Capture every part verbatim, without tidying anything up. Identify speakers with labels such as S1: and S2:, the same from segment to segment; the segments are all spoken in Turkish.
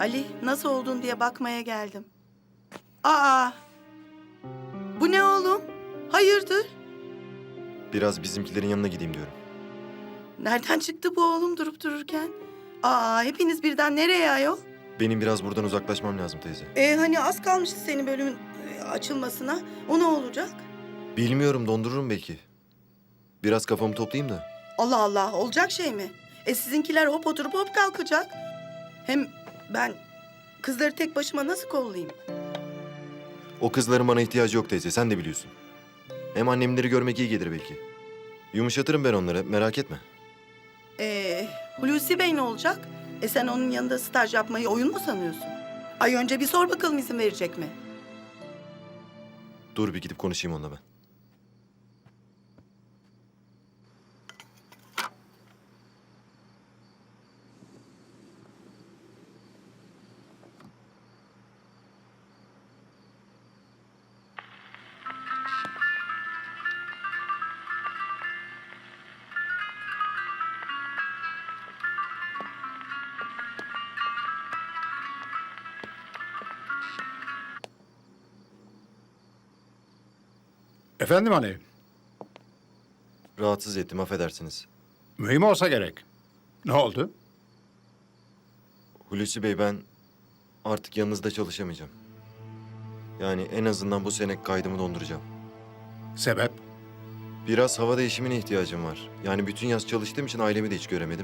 S1: Ali, nasıl oldun diye bakmaya geldim. Aa! Bu ne oğlum? Hayırdır?
S2: Biraz bizimkilerin yanına gideyim diyorum.
S1: Nereden çıktı bu oğlum durup dururken? Aa, hepiniz birden nereye ayol?
S2: Benim biraz buradan uzaklaşmam lazım teyze.
S1: E hani az kalmıştı senin bölümün e, açılmasına. O ne olacak?
S2: Bilmiyorum, dondururum belki. Biraz kafamı toplayayım da.
S1: Allah Allah, olacak şey mi? E sizinkiler hop oturup hop kalkacak. Hem ben kızları tek başıma nasıl kollayayım?
S2: O kızların bana ihtiyacı yok teyze, sen de biliyorsun. Hem annemleri görmek iyi gelir belki. Yumuşatırım ben onları, merak etme.
S1: Ee, Hulusi Bey ne olacak? E sen onun yanında staj yapmayı oyun mu sanıyorsun? Ay önce bir sor bakalım izin verecek mi?
S2: Dur bir gidip konuşayım onunla ben.
S3: Efendim hani,
S2: Rahatsız ettim, affedersiniz.
S3: mühim olsa gerek. Ne oldu?
S2: Hulusi Bey, ben artık yanınızda çalışamayacağım. Yani en azından bu sene kaydımı donduracağım.
S3: Sebep?
S2: Biraz hava değişimine ihtiyacım var. Yani bütün yaz çalıştığım için ailemi de hiç göremedim.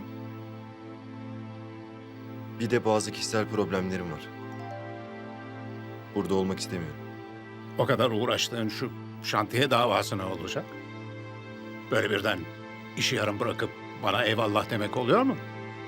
S2: Bir de bazı kişisel problemlerim var. Burada olmak istemiyorum.
S3: O kadar uğraştığın şu şantiye davası ne olacak? Böyle birden işi yarım bırakıp bana eyvallah demek oluyor mu?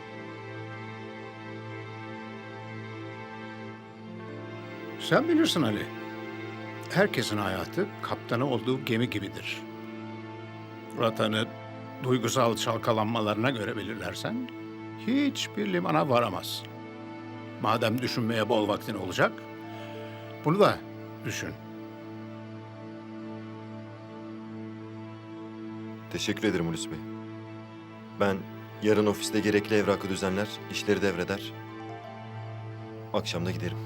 S3: Sen bilirsin Ali. Herkesin hayatı kaptanı olduğu gemi gibidir. Rotanı duygusal çalkalanmalarına göre belirlersen hiçbir limana varamazsın. Madem düşünmeye bol vaktin olacak, bunu da düşün.
S2: Teşekkür ederim Hulusi Bey. Ben yarın ofiste gerekli evrakı düzenler, işleri devreder. Akşam da giderim.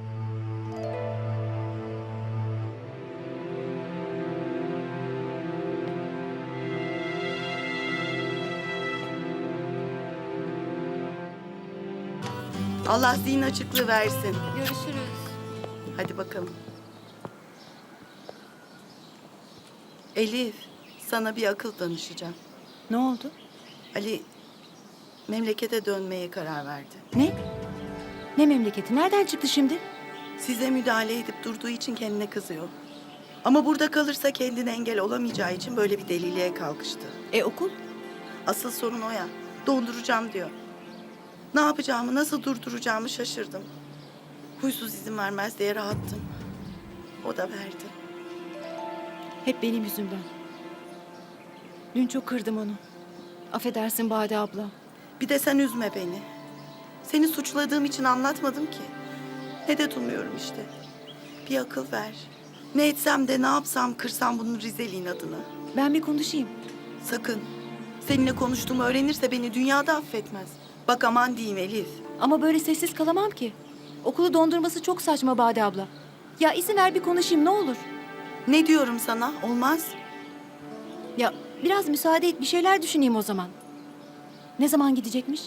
S1: Allah zihin açıklığı versin.
S4: Görüşürüz.
S1: Hadi bakalım. Elif, sana bir akıl danışacağım.
S4: Ne oldu?
S1: Ali memlekete dönmeye karar verdi.
S4: Ne? Ne memleketi? Nereden çıktı şimdi?
S1: Size müdahale edip durduğu için kendine kızıyor. Ama burada kalırsa kendine engel olamayacağı için böyle bir deliliğe kalkıştı.
S4: E okul?
S1: Asıl sorun o ya. Donduracağım diyor. Ne yapacağımı, nasıl durduracağımı şaşırdım. Huysuz izin vermez diye rahattım. O da verdi.
S4: Hep benim yüzümden. Dün çok kırdım onu. Affedersin Bade abla.
S1: Bir de sen üzme beni. Seni suçladığım için anlatmadım ki. Medet umuyorum işte. Bir akıl ver. Ne etsem de ne yapsam kırsam bunun Rizeli'nin adını.
S4: Ben bir konuşayım.
S1: Sakın. Seninle konuştuğumu öğrenirse beni dünyada affetmez. Bak aman diyeyim Elif.
S4: Ama böyle sessiz kalamam ki. Okulu dondurması çok saçma Bade abla. Ya izin ver bir konuşayım ne olur.
S1: Ne diyorum sana? Olmaz.
S4: Ya biraz müsaade et bir şeyler düşüneyim o zaman. Ne zaman gidecekmiş?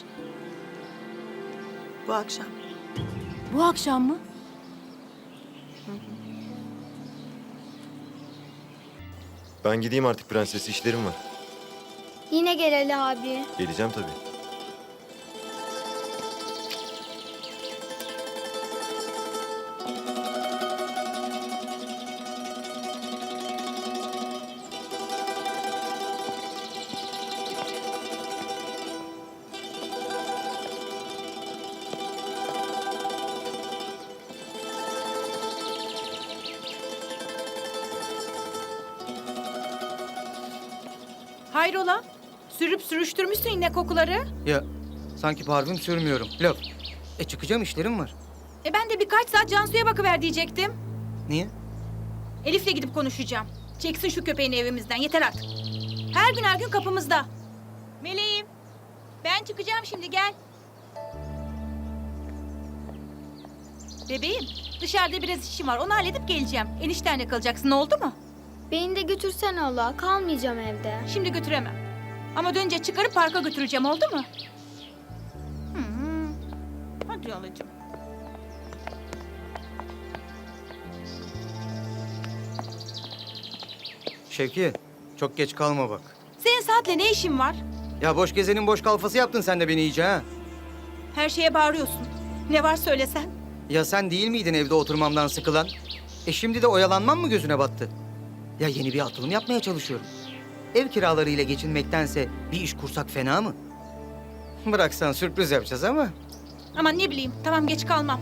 S1: Bu akşam.
S4: Bu akşam mı?
S2: Ben gideyim artık prenses, işlerim var.
S5: Yine gel Ali abi.
S2: Geleceğim tabii.
S6: Hayrola? Sürüp sürüştürmüşsün yine kokuları.
S7: Ya sanki parfüm sürmüyorum. Laf. E çıkacağım, işlerim var.
S6: E ben de birkaç saat Cansu'ya bakıver diyecektim.
S7: Niye?
S6: Elif'le gidip konuşacağım. Çeksin şu köpeğini evimizden, yeter artık. Her gün her gün kapımızda. Meleğim, ben çıkacağım şimdi, gel. Bebeğim, dışarıda biraz işim var. Onu halledip geleceğim. Eniştenle kalacaksın, oldu mu?
S5: Beni de götürsen Allah. Kalmayacağım evde.
S6: Şimdi götüremem. Ama dönünce çıkarıp parka götüreceğim, oldu mu? Hı hı. Hadi alacağım.
S7: Şevki, çok geç kalma bak.
S6: Senin saatle ne işin var?
S7: Ya boş gezenin boş kalfası yaptın sen de beni iyice ha.
S6: Her şeye bağırıyorsun. Ne var söylesen.
S7: Ya sen değil miydin evde oturmamdan sıkılan? E şimdi de oyalanmam mı gözüne battı? Ya yeni bir atılım yapmaya çalışıyorum. Ev kiralarıyla geçinmektense bir iş kursak fena mı? Bıraksan sürpriz yapacağız ama.
S6: Aman ne bileyim, tamam geç kalmam.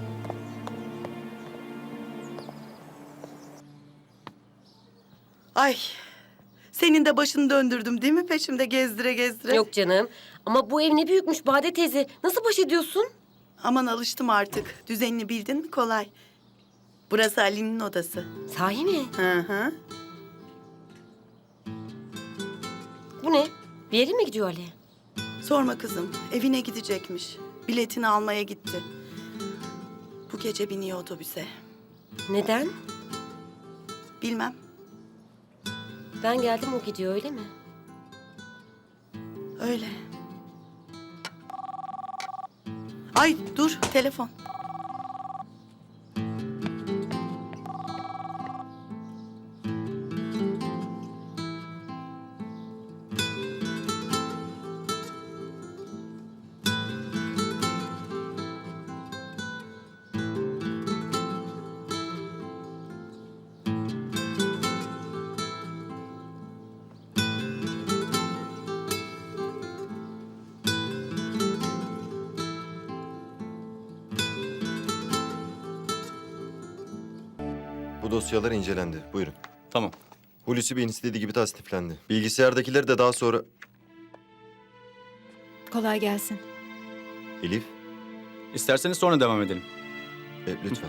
S1: Ay, senin de başını döndürdüm değil mi peşimde gezdire gezdire?
S8: Yok canım. Ama bu ev ne büyükmüş Bade teyze. Nasıl baş ediyorsun?
S1: Aman alıştım artık. Düzenini bildin mi kolay. Burası Ali'nin odası.
S8: Sahi mi?
S1: Hı hı.
S8: Bu ne? Bir yere mi gidiyor Ali?
S1: Sorma kızım, evine gidecekmiş. Biletini almaya gitti. Bu gece biniyor otobüse.
S8: Neden?
S1: Bilmem.
S8: Ben geldim o gidiyor öyle mi?
S1: Öyle. Ay dur, telefon.
S2: Bu dosyalar incelendi. Buyurun.
S9: Tamam.
S2: Hulusi Bey'in istediği gibi tasniflendi. Bilgisayardakileri de daha sonra...
S4: Kolay gelsin.
S2: Elif,
S9: İsterseniz sonra devam edelim.
S2: e, lütfen.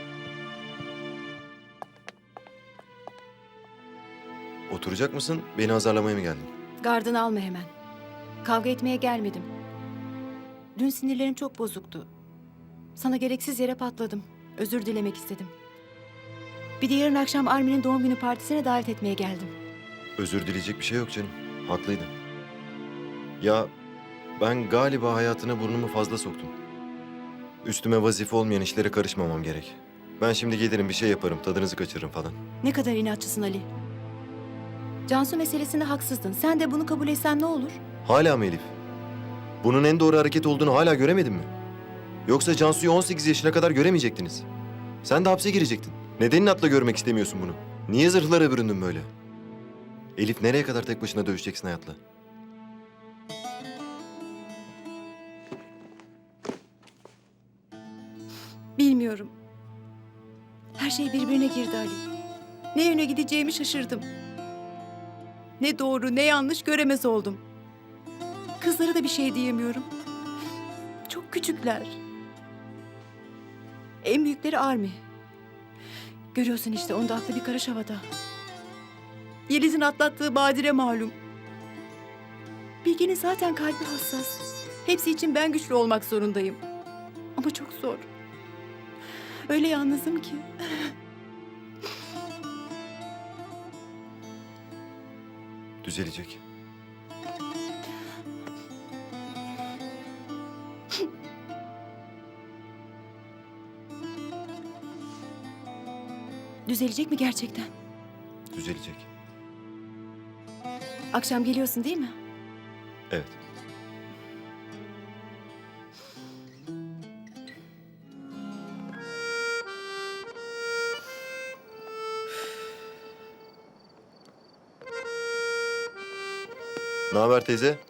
S2: Oturacak mısın? Beni azarlamaya mı geldin?
S4: Gardını alma hemen. Kavga etmeye gelmedim. Dün sinirlerim çok bozuktu. Sana gereksiz yere patladım. Özür dilemek istedim. Bir de yarın akşam Armin'in doğum günü partisine davet etmeye geldim.
S2: Özür dileyecek bir şey yok canım. Haklıydın. Ya ben galiba hayatına burnumu fazla soktum. Üstüme vazife olmayan işlere karışmamam gerek. Ben şimdi gelirim bir şey yaparım, tadınızı kaçırırım falan.
S4: Ne kadar inatçısın Ali. Cansu meselesinde haksızdın. Sen de bunu kabul etsen ne olur?
S2: Hala mı Elif? Bunun en doğru hareket olduğunu hala göremedin mi? Yoksa Cansu'yu on sekiz yaşına kadar göremeyecektiniz. Sen de hapse girecektin. Neden inatla görmek istemiyorsun bunu? Niye zırhlara büründün böyle? Elif nereye kadar tek başına dövüşeceksin hayatla?
S4: Bilmiyorum. Her şey birbirine girdi Ali. Ne yöne gideceğimi şaşırdım. Ne doğru ne yanlış göremez oldum. Kızlara da bir şey diyemiyorum. Çok küçükler. En büyükleri Armi. Görüyorsun işte onda aklı bir karış havada. Yeliz'in atlattığı badire malum. Bilge'nin zaten kalbi hassas. Hepsi için ben güçlü olmak zorundayım. Ama çok zor. Öyle yalnızım ki.
S2: Düzelecek.
S4: Düzelecek mi gerçekten?
S2: Düzelecek.
S4: Akşam geliyorsun değil mi?
S2: Evet. Ne haber teyze?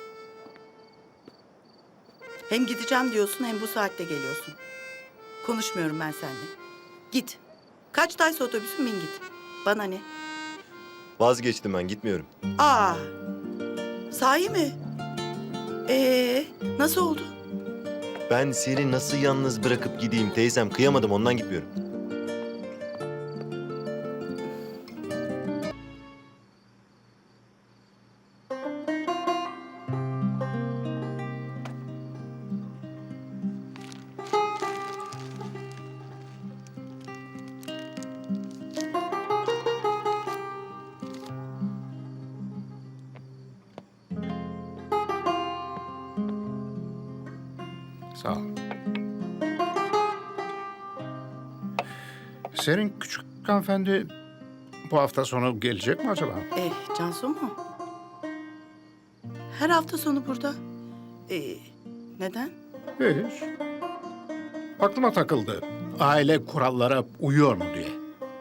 S1: Hem gideceğim diyorsun hem bu saatte geliyorsun. Konuşmuyorum ben seninle. Git. Kaçtaysa otobüsün bin git. Bana ne?
S2: Vazgeçtim ben, gitmiyorum.
S1: Aa, sahi mi? Ee, nasıl oldu?
S2: Ben seni nasıl yalnız bırakıp gideyim teyzem? Kıyamadım, ondan gitmiyorum.
S3: Sağ ol. Senin küçük hanımefendi bu hafta sonu gelecek mi acaba?
S1: Eh, Cansu mu? Her hafta sonu burada. Ee, neden?
S3: Hiç. Aklıma takıldı. Aile kurallara uyuyor mu diye.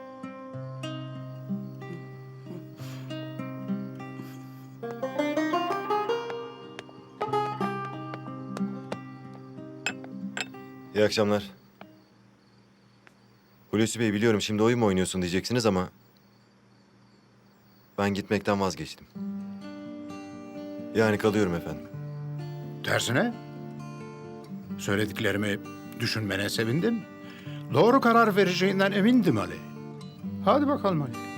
S2: İyi akşamlar. Hulusi Bey, biliyorum şimdi oyun mu oynuyorsun diyeceksiniz ama... ben gitmekten vazgeçtim. Yani kalıyorum efendim.
S3: Tersine söylediklerimi düşünmene sevindim. Doğru karar vereceğinden emindim Ali. Hadi bakalım Ali.